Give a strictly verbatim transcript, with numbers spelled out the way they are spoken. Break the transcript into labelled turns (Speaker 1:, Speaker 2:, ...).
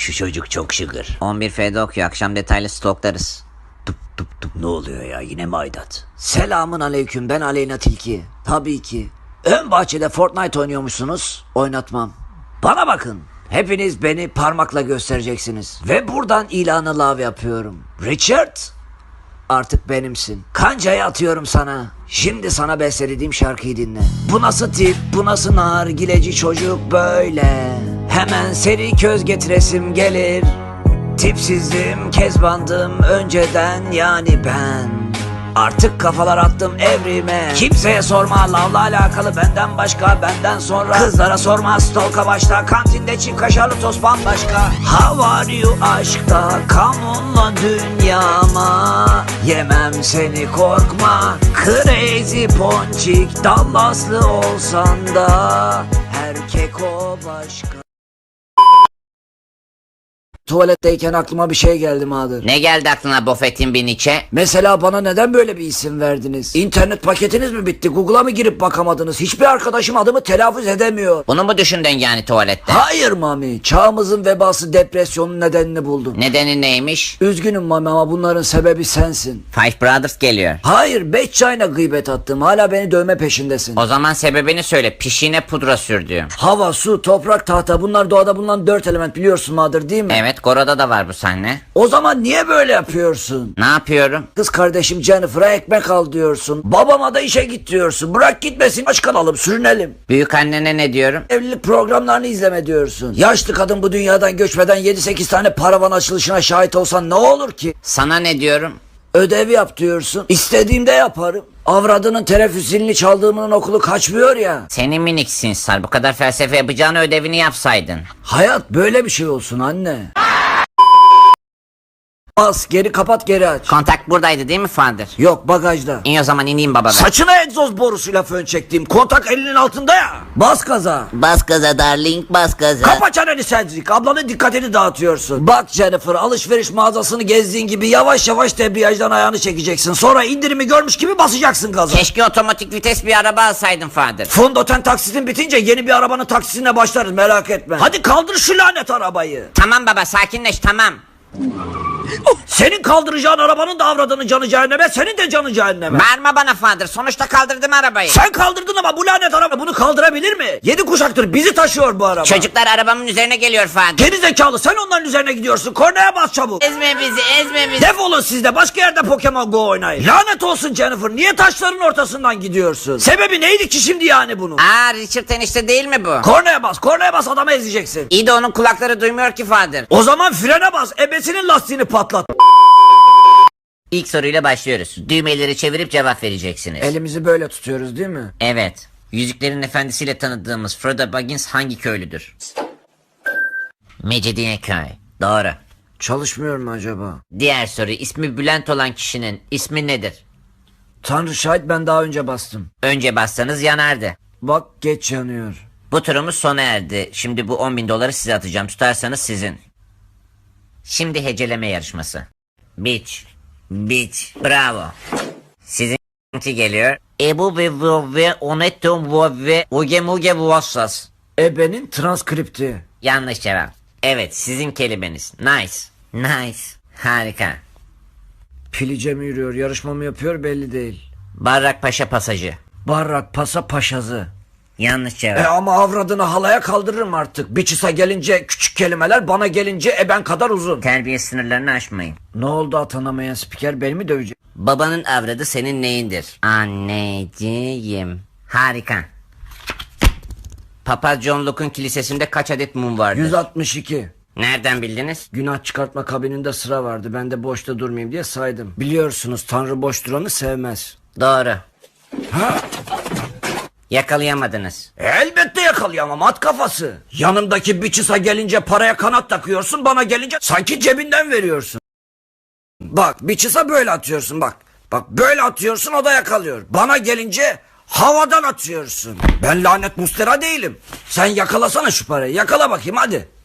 Speaker 1: Şu çocuk çok şıkır.
Speaker 2: on bir F'de okuyor. Akşam detaylı stoklarız.
Speaker 1: Tıp tıp tıp. Ne oluyor ya, yine mi aidat?
Speaker 3: Selamun aleyküm, ben Aleyna Tilki. Tabii ki. Ön bahçede Fortnite oynuyormuşsunuz. Oynatmam. Bana bakın. Hepiniz beni parmakla göstereceksiniz. Ve buradan ilanı lav yapıyorum. Richard, artık benimsin. Kancayı atıyorum sana. Şimdi sana bestelediğim şarkıyı dinle. Bu nasıl tip, bu nasıl nargileci çocuk böyle. Hemen seri köz getiresim gelir. Tipsizdim, kezbandım önceden yani ben. Artık kafalar attım evrime. Kimseye sorma lavla alakalı benden başka, benden sonra. Kızlara sorma stalka başta, kantinde çift kaşarlı tost bambaşka. How are you aşkta, come on'la dünyama. Yemem seni korkma, crazy ponçik. Dallaslı olsan da erkek o başka. Tuvaletteyken aklıma bir şey geldi Madır.
Speaker 2: Ne geldi aklına Buffett'in bir Nietzsche?
Speaker 3: Mesela bana neden böyle bir isim verdiniz? İnternet paketiniz mi bitti? Google'a mı girip bakamadınız? Hiçbir arkadaşım adımı telaffuz edemiyor.
Speaker 2: Bunu mu düşündün yani tuvalette?
Speaker 3: Hayır Mami. Çağımızın vebası depresyonun nedenini buldum.
Speaker 2: Nedeni neymiş?
Speaker 3: Üzgünüm Mami ama bunların sebebi sensin.
Speaker 2: Five Brothers geliyor.
Speaker 3: Hayır, beş çayına gıybet attım. Hala beni dövme peşindesin.
Speaker 2: O zaman sebebini söyle. Pişiğine pudra sürdüğüm.
Speaker 3: Hava, su, toprak, tahta, bunlar doğada bulunan dört element, biliyorsun Madır değil mi?
Speaker 2: Evet, Goro'da da var bu sahne.
Speaker 3: O zaman niye böyle yapıyorsun?
Speaker 2: Ne yapıyorum?
Speaker 3: Kız kardeşim Jennifer'a ekmek al diyorsun. Babama da işe git diyorsun. Bırak gitmesin, aç kalalım, sürünelim.
Speaker 2: Büyük annene ne diyorum?
Speaker 3: Evlilik programlarını izleme diyorsun. Yaşlı kadın bu dünyadan göçmeden yedi sekiz tane paravan açılışına şahit olsan ne olur ki?
Speaker 2: Sana ne diyorum?
Speaker 3: Ödev yap diyorsun. İstediğimde yaparım. Avradının teneffüsünü çaldığımın okulu kaçmıyor ya.
Speaker 2: Seni minik sinsar. Bu kadar felsefe yapacağını ödevini yapsaydın.
Speaker 3: Hayat böyle bir şey olsun anne. Bas, geri kapat, geri aç.
Speaker 2: Kontak buradaydı değil mi Father?
Speaker 3: Yok, bagajda.
Speaker 2: İyi o zaman ineyim baba ben.
Speaker 3: Saçına egzoz borusuyla fön çektiğim kontak elinin altında ya. Bas gaza.
Speaker 2: Bas gaza darling, bas gaza.
Speaker 3: Kapa çeneni Cedric, ablanın dikkatini dağıtıyorsun. Bak Jennifer, alışveriş mağazasını gezdiğin gibi yavaş yavaş debriyajdan ayağını çekeceksin. Sonra indirimi görmüş gibi basacaksın gaza.
Speaker 2: Keşke otomatik vites bir araba alsaydın Father.
Speaker 3: Fondöten taksitin bitince yeni bir arabanın taksisine başlarız, merak etme. Hadi kaldır şu lanet arabayı.
Speaker 2: Tamam baba, sakinleş, tamam.
Speaker 3: Senin kaldıracağın arabanın da avradının canı cehenneme, senin de canı cehenneme.
Speaker 2: Bağırma bana Father, sonuçta kaldırdım arabayı.
Speaker 3: Sen kaldırdın ama bu lanet araba bunu kaldırabilir mi? Yedi kuşaktır bizi taşıyor bu araba.
Speaker 2: Çocuklar arabamın üzerine geliyor Father.
Speaker 3: Geri zekalı, sen onların üzerine gidiyorsun. Kornaya bas çabuk.
Speaker 2: Ezme bizi, ezme bizi.
Speaker 3: Defolun siz de, başka yerde Pokemon Go oynayın. Lanet olsun Jennifer, niye taşların ortasından gidiyorsun? Sebebi neydi ki şimdi yani bunun?
Speaker 2: Aa, Richard enişte değil mi bu?
Speaker 3: Kornaya bas, kornaya bas, adamı ezeceksin.
Speaker 2: İyi de onun kulakları duymuyor ki Father.
Speaker 3: O zaman frene bas, ebesinin lastiğini patlat.
Speaker 2: İlk soruyla başlıyoruz. Düğmeleri çevirip cevap vereceksiniz.
Speaker 3: Elimizi böyle tutuyoruz değil mi?
Speaker 2: Evet. Yüzüklerin Efendisi'yle tanıdığımız Frodo Baggins hangi köylüdür? Mecidiyeköy. Doğru.
Speaker 3: Çalışmıyor mu acaba?
Speaker 2: Diğer soru, ismi Bülent olan kişinin ismi nedir?
Speaker 3: Tanrı şahit, ben daha önce bastım.
Speaker 2: Önce bassanız yanardı.
Speaker 3: Bak, geç yanıyor.
Speaker 2: Bu turumuz sona erdi. Şimdi bu on bin doları size atacağım. Tutarsanız sizin. Şimdi heceleme yarışması. Beach. Beach. Bravo. Sizinki geliyor. Ebu ve ve oneto ve oge muge vuassas.
Speaker 3: Ebenin transkripti.
Speaker 2: Yanlış cevap. Evet, sizin kelimeniz. Nice. Nice. Harika.
Speaker 3: Pilice mi yürüyor, yarışma mı yapıyor belli değil.
Speaker 2: Barrak Paşa pasajı.
Speaker 3: Barrak pasa paşazı.
Speaker 2: Yanlış
Speaker 3: E
Speaker 2: cevap.
Speaker 3: ama avradını halaya kaldırırım artık. Biçisa gelince küçük kelimeler, bana gelince eben kadar uzun.
Speaker 2: Terbiye sınırlarını aşmayın.
Speaker 3: Ne oldu, atanamayan spiker beni mi dövecek?
Speaker 2: Babanın avradı senin neyindir? Anneciğim. Harika. Papa John Luke'un kilisesinde kaç adet mum vardır?
Speaker 3: yüz altmış iki.
Speaker 2: Nereden bildiniz?
Speaker 3: Günah çıkartma kabininde sıra vardı. Ben de boşta durmayayım diye saydım. Biliyorsunuz Tanrı boş duranı sevmez.
Speaker 2: Doğru.
Speaker 3: Ha?
Speaker 2: Yakalayamadınız.
Speaker 3: Elbette yakalayamam, at kafası. Yanımdaki biçisa gelince paraya kanat takıyorsun, bana gelince sanki cebinden veriyorsun. Bak, biçisa böyle atıyorsun bak. Bak böyle atıyorsun, o da yakalıyor. Bana gelince havadan atıyorsun. Ben lanet mustera değilim. Sen yakalasana şu parayı, yakala bakayım hadi.